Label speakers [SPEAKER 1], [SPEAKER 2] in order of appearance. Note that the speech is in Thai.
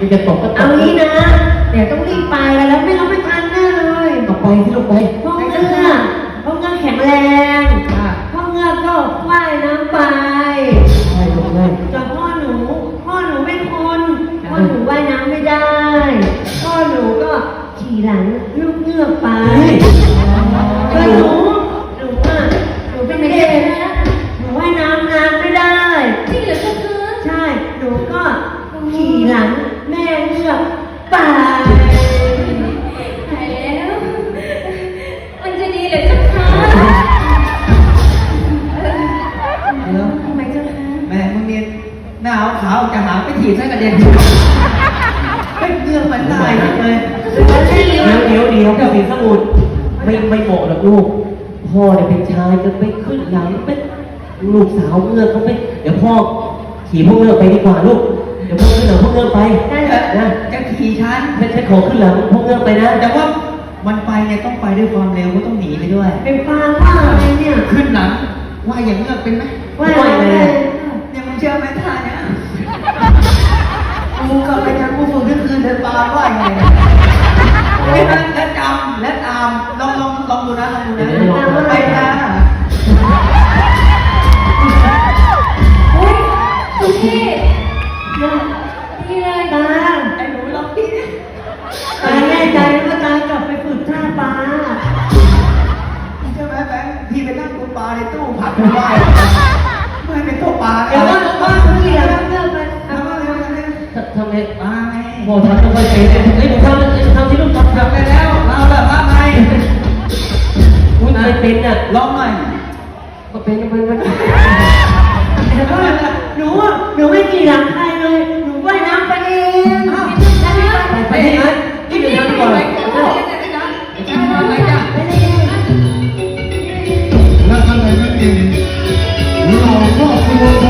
[SPEAKER 1] จะตกก็ตก
[SPEAKER 2] เอางี้นะเดี๋ยวต้องรีบไปแล้วไม่ต้องไม่ทันแน่เลย
[SPEAKER 1] ต่อไปที่ลงไป
[SPEAKER 2] พ่อเงือกแข็งแรง พ่อเงือกก็ว่ายน้ำไป
[SPEAKER 1] ใช่ลงเลย
[SPEAKER 2] แต่พ่อหนูเป็นคนพ่อหนูว่ายน้ำไม่ได้ พ่อหนูก็ขี่หลังลูกเงือกไปก็หนูเป็นเด็กหนูว่ายน้ำนานไม่ได้
[SPEAKER 3] จริงเหรอเจ้าคะ
[SPEAKER 2] ใช่หนูก็ขี่หลังแม่เงือกไป
[SPEAKER 3] หายแล้วมันจะดีเหรอเจ้าคะทำไมเจ้าคะ
[SPEAKER 4] แม่มึงเนี่ยหน้าขาวจะหาไปถีบใส่กระเด็นไม่เรื่องมันตายเลย
[SPEAKER 1] เดี๋ยวกับสีสมุทรไม่เหมาะหรอกลูกพ่อเนี่ยเป็นชายจะไปขึ้นหลังเป็นลูกสาวเงือกเขาไปเดี๋ยวพ่อขี่พวกเงือกไปดีกว่าลูกเดี๋ยวพ่อขึ้นหลังพวกเงือกไปนะ
[SPEAKER 4] จะขี่ฉัน
[SPEAKER 1] ไม่ขอขึ้นหลังพวกเงือกไปนะ
[SPEAKER 4] แต่ว่ามันไปเนี่ยต้องไปด้วยความเร็วก็ต้องหนีไปด้วย
[SPEAKER 2] เป็นฟางว่าอะไรเนี่ย
[SPEAKER 4] ขึ้นหลังว่าอย่างเงือกเป็นไหม
[SPEAKER 2] ว่าอะไร
[SPEAKER 4] เนี่ยมึงเชื่อไหมท่าเนี่ยกูกลับไปจากกูฝึกทุกคืนเดินปลาว่าไงไม่นั่งและจำและตามลองดูนะไปนะ
[SPEAKER 3] โอ๊ยสุพี่ดีเลย
[SPEAKER 2] ตา
[SPEAKER 4] ไอ้หนูลองพี่
[SPEAKER 2] ตาแน่ใจว่าตากลับไปฝึกท่าปลา
[SPEAKER 4] ใช่ไหมแบงค์พี่ไปนั่งตัวปลาในตู้ผัดได้ไม่เป็นตัวปลา
[SPEAKER 2] เดี๋ยวว่าเกี่ยวเรื่องมัน
[SPEAKER 4] ทำไมปลาไง
[SPEAKER 1] พ่อทำไม่ค่อยเป็นเลยเฮ้ยหนูทำที่ลูกทำ
[SPEAKER 4] ไปแล้วเราแบบว่าไง
[SPEAKER 1] อุ้ยไม่เป็นอ่ะ
[SPEAKER 4] ลองหน่อย
[SPEAKER 1] ก็เป็น
[SPEAKER 2] แต่ว่าหนูไม่กี่หลังใครเลยหนูว่ายน้ำไปเอง
[SPEAKER 1] ไปที่ไหนที่ไหนก่อน
[SPEAKER 5] และท่านใดไม่เก่งเราก็ควร